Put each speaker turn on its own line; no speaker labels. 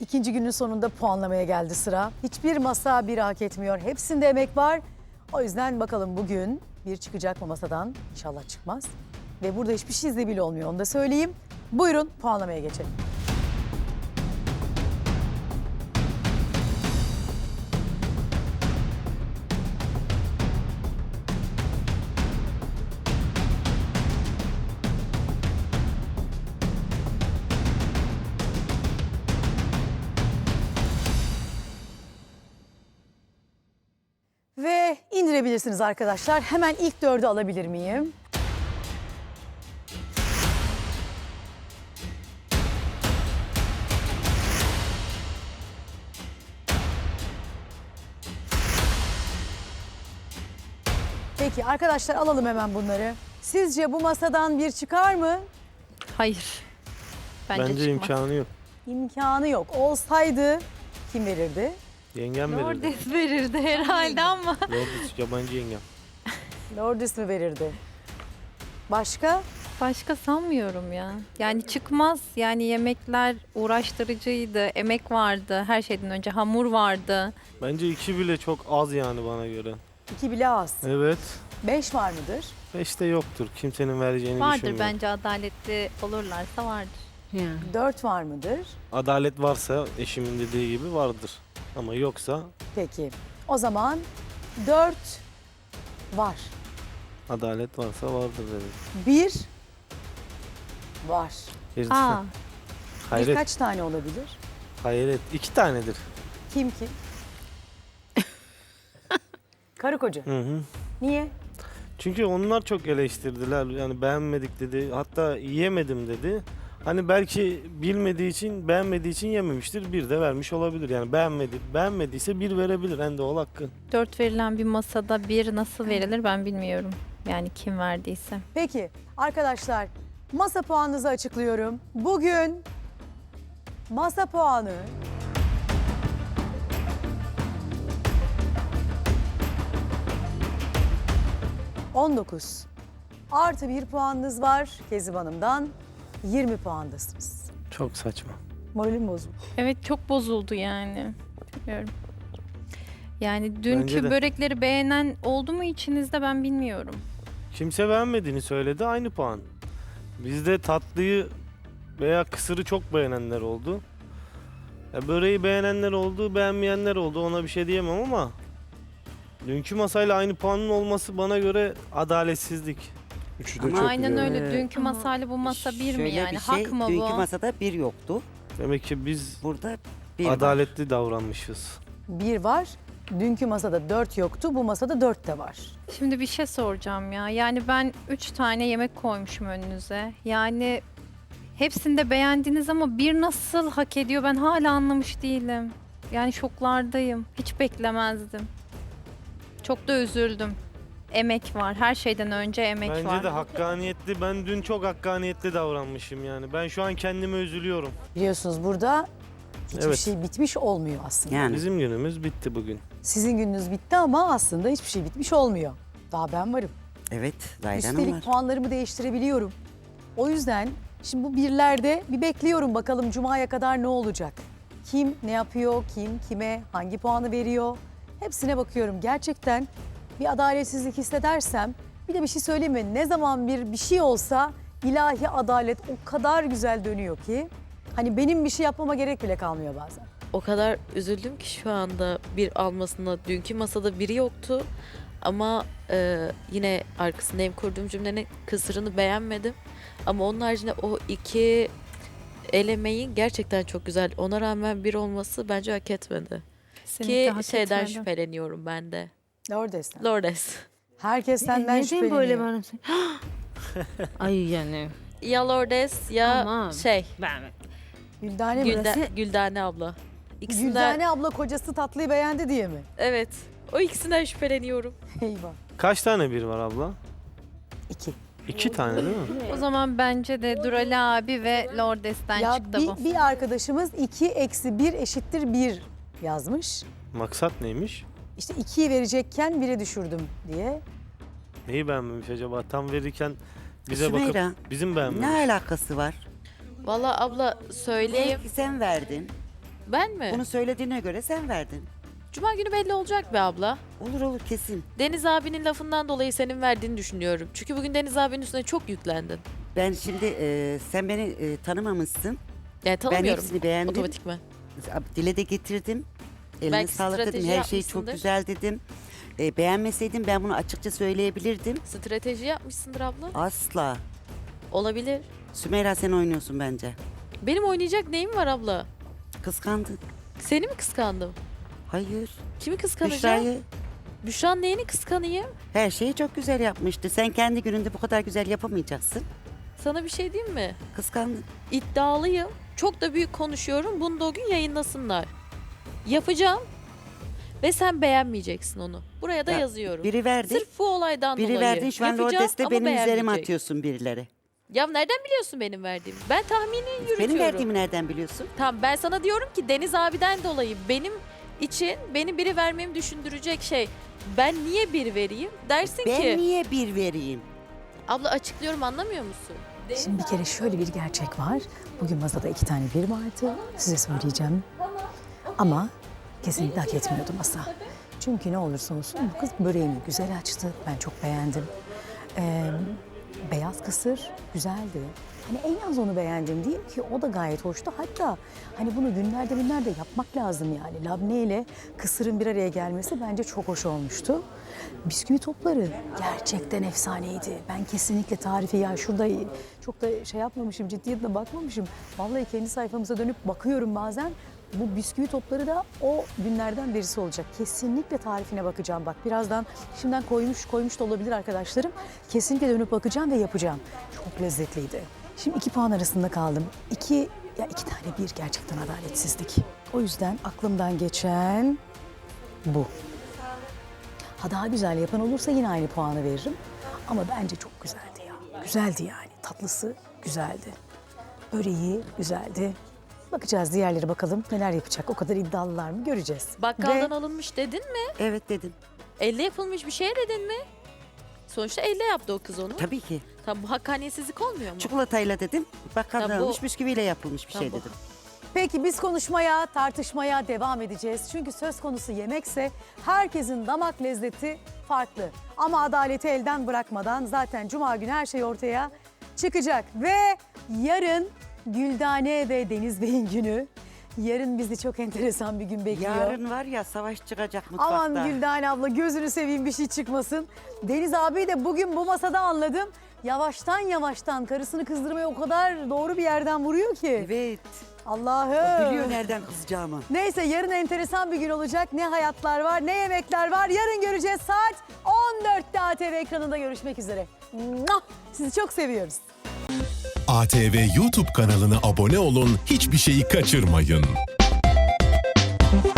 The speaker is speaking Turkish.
İkinci günün sonunda puanlamaya geldi sıra. Hiçbir masa biri hak etmiyor. Hepsinde emek var. O yüzden bakalım bugün bir çıkacak mı masadan? İnşallah çıkmaz. Ve burada hiçbir şey izle bile olmuyor, onu da söyleyeyim. Buyurun puanlamaya geçelim. Ve indirebilirsiniz arkadaşlar. Hemen ilk 4'ü alabilir miyim? Peki arkadaşlar alalım hemen bunları. Sizce bu masadan bir çıkar mı?
Hayır. Bence çıkmaz.
imkanı yok.
İmkanı yok. Olsaydı kim verirdi?
Yengem verirdi.
Lordes verirdi herhalde ama.
Lordes yabancı yengem.
Lordis mi verirdi? Başka?
Başka sanmıyorum ya. Yani çıkmaz. Yani yemekler uğraştırıcıydı. Emek vardı. Her şeyden önce hamur vardı.
Bence 2 bile çok az yani bana göre.
2 bile az.
Evet.
5 var mıdır?
5 de yoktur. Kimsenin vereceğini
Vardır
düşünmüyorum.
bence, adaletli olurlarsa vardır.
4 var mıdır?
Adalet varsa eşimin dediği gibi vardır. Ama yoksa
Peki. O zaman 4 var.
adalet varsa vardır dedim.
1 var.
Aa,
Hayret.
Birkaç tane olabilir?
Hayret. 2 tanedir.
Kim? Karı koca.
Hı hı.
Niye?
Çünkü onlar çok eleştirdiler. Yani beğenmedik dedi. Hatta yiyemedim dedi. Hani belki bilmediği için, beğenmediği için yememiştir. Bir de vermiş olabilir. Yani beğenmediyse bir verebilir. En doğal hakkı.
4 verilen bir masada 1 nasıl verilir ben bilmiyorum. Yani kim verdiyse.
Peki arkadaşlar masa puanınızı açıklıyorum. Bugün masa puanı 19. Artı 1 puanınız var Kezib Hanım'dan. 20 puandasınız.
Çok saçma.
Moralim bozuldu.
Evet, çok bozuldu yani. Bilmiyorum. Yani dünkü
Bence de.
börekleri beğenen oldu mu içinizde ben bilmiyorum.
Kimse beğenmediğini söyledi. Aynı puan. Bizde tatlıyı veya kısırı çok beğenenler oldu. Ya böreği beğenenler oldu, beğenmeyenler oldu. Ona bir şey diyemem ama dünkü masayla aynı puanın olması bana göre adaletsizlik.
Üçü
Ama
çok
Aynen
güzel.
öyle. Dünkü masayla bu masa bir mi
Şöyle
yani?
bir şey,
Hak mı
dünkü
bu?
masada bir yoktu.
Demek ki biz
Burada bir var.
adaletli davranmışız.
1 var. Dünkü masada 4 yoktu. Bu masada 4 de var.
Şimdi bir şey soracağım ya. Yani ben 3 tane yemek koymuşum önünüze. Yani hepsini de beğendiniz ama bir nasıl hak ediyor ben hala anlamış değilim. Yani şoklardayım. Hiç beklemezdim. Çok da üzüldüm. Emek var. Her şeyden önce emek
Bence
var.
de hakkaniyetli. Ben dün çok hakkaniyetli davranmışım yani. Ben şu an kendime üzülüyorum.
Biliyorsunuz burada hiçbir
Evet.
şey bitmiş olmuyor aslında.
Yani
Bizim günümüz bitti bugün.
Sizin gününüz bitti ama aslında hiçbir şey bitmiş olmuyor. Daha ben varım.
evet Zahide Hanım
Üstelik
var.
puanlarımı değiştirebiliyorum. O yüzden şimdi bu birlerde bir bekliyorum bakalım Cuma'ya kadar ne olacak? Kim ne yapıyor, kim kime hangi puanı veriyor? Hepsine bakıyorum. Gerçekten bir adaletsizlik hissedersem bir de bir şey söyleyeyim mi? Ne zaman bir şey olsa ilahi adalet o kadar güzel dönüyor ki hani benim bir şey yapmama gerek bile kalmıyor bazen.
O kadar üzüldüm ki şu anda bir almasına. Dünkü masada biri yoktu. Ama yine arkasındayım kurduğum cümlenin kısırını beğenmedim. Ama onun haricinde o 2 elemeyi gerçekten çok güzel. Ona rağmen bir olması bence hak etmedi.
Kesinlikle
Ki
hak
şeyden
etmedi.
şüpheleniyorum ben de.
Lordes'ten.
Lordes.
Herkes senden
Neden
şüpheleniyor.
böyle bana? Ay yani.
Ya Lordes ya
Aman.
ben
Güldane mi?
Güldane abla. İkisinden
Güldane abla kocası tatlıyı beğendi diye mi?
evet. O ikisinden şüpheleniyorum.
Eyvah.
Kaç tane bir var abla?
2.
2 tane değil mi?
O zaman bence de Durali abi ve Lordes'ten
Ya
çıktı bu.
bir arkadaşımız 2 eksi 1 eşittir 1 yazmış.
Maksat neymiş?
İşte 2'yi verecekken 1'e düşürdüm diye.
Neyi beğenmemiş acaba? Tam verirken bize
Sümeyra,
bakıp bizim beğenmemiş.
ne alakası var?
Valla abla söyleyeyim.
Belki sen verdin.
Ben mi?
Bunu söylediğine göre sen verdin.
Cuma günü belli olacak be abla.
Olur olur kesin.
Deniz abinin lafından dolayı senin verdiğini düşünüyorum. Çünkü bugün Deniz abinin üstüne çok yüklendin.
Ben şimdi sen beni tanımamışsın.
Yani
Ben
tanımıyorum
hepsini beğendim.
otomatikman.
Dile de getirdim. Eline
Belki
sağlık dedim.
strateji
Her şey çok
yapmışsındır.
güzel dedim. Beğenmeseydim ben bunu açıkça söyleyebilirdim.
Strateji yapmışsındır abla.
Asla.
Olabilir.
Sümeyra sen oynuyorsun bence.
Benim oynayacak neyim var abla?
Kıskandın.
Seni mi kıskandım?
Hayır.
Kimi kıskanacağım?
Büşra'yı.
Büşra'nın neyini kıskanayım?
Her şeyi çok güzel yapmıştı. Sen kendi gününde bu kadar güzel yapamayacaksın.
Sana bir şey diyeyim mi?
Kıskandın.
İddialıyım. Çok da büyük konuşuyorum. Bunu da o gün yayınlasınlar. Yapacağım. Ve sen beğenmeyeceksin onu. Buraya da
Ya,
yazıyorum.
Biri verdi.
Sırf bu olaydan
Biri
dolayı.
verdin şu an
Yapacağım
Lordes'te
ama
benim üzerime
beğenmeyecek.
atıyorsun birileri.
Ya nereden biliyorsun benim verdiğimi? Ben tahmini yürütüyorum.
Benim verdiğimi nereden biliyorsun?
Tamam ben sana diyorum ki Deniz abiden dolayı benim için benim biri vermemi düşündürecek şey. Ben niye bir vereyim? Dersin
Ben
ki
niye bir vereyim?
abla açıklıyorum anlamıyor musun?
Şimdi bir kere şöyle bir gerçek var. Bugün masada 2 tane bir vardı. Size söyleyeceğim. Ama kesinlikle hak etmiyordu masa. Çünkü ne olursa olsun bu kız böreğini güzel açtı. Ben çok beğendim. Beyaz kısır güzeldi. Hani en az onu beğendim değil ki o da gayet hoştu. Hatta hani bunu günlerde yapmak lazım yani. Labne ile kısırın bir araya gelmesi bence çok hoş olmuştu. Bisküvi topları gerçekten efsaneydi. Ben kesinlikle tarifi ya şurada çok da şey yapmamışım, ciddiyetle bakmamışım. Vallahi kendi sayfamıza dönüp bakıyorum bazen. Bu bisküvi topları da o günlerden birisi olacak. Kesinlikle tarifine bakacağım bak. Birazdan şimdiden koymuş da olabilir arkadaşlarım. Kesinlikle dönüp bakacağım ve yapacağım. Çok lezzetliydi. Şimdi 2 puan arasında kaldım. 2 tane bir gerçekten adaletsizlik. O yüzden aklımdan geçen bu. Ha daha güzel yapan olursa yine aynı puanı veririm. Ama bence çok güzeldi ya. Güzeldi yani. Tatlısı güzeldi. Böreği güzeldi. Bakacağız diğerleri bakalım neler yapacak. O kadar iddialılar mı göreceğiz.
Bakkaldan
Ve
alınmış dedin mi?
Evet dedim.
Elle yapılmış bir şey dedin mi? Sonuçta elle yaptı o kız onu.
Tabii ki.
Tam bu hakkaniyetsizlik olmuyor mu?
Çikolatayla dedim. Bakkaldan
Tabii bu-
almış bisküviyle yapılmış bir
Tabii
şey
bu-
dedim.
Peki biz konuşmaya, tartışmaya devam edeceğiz. Çünkü söz konusu yemekse herkesin damak lezzeti farklı. Ama adaleti elden bırakmadan zaten Cuma günü her şey ortaya çıkacak. Ve yarın Güldane ve Deniz Bey'in günü. Yarın bizi çok enteresan bir gün bekliyor.
Yarın var ya savaş çıkacak mutfakta.
Aman Güldane abla gözünü seveyim bir şey çıkmasın. Deniz abi de bugün bu masada anladım. Yavaştan karısını kızdırmaya o kadar doğru bir yerden vuruyor ki.
Evet.
Allah'ım.
Biliyor nereden kızacağımı.
Neyse yarın enteresan bir gün olacak. Ne hayatlar var, ne yemekler var. Yarın göreceğiz saat 14'te ATV ekranında görüşmek üzere. Muah! Sizi çok seviyoruz.
ATV YouTube kanalına abone olun, hiçbir şeyi kaçırmayın.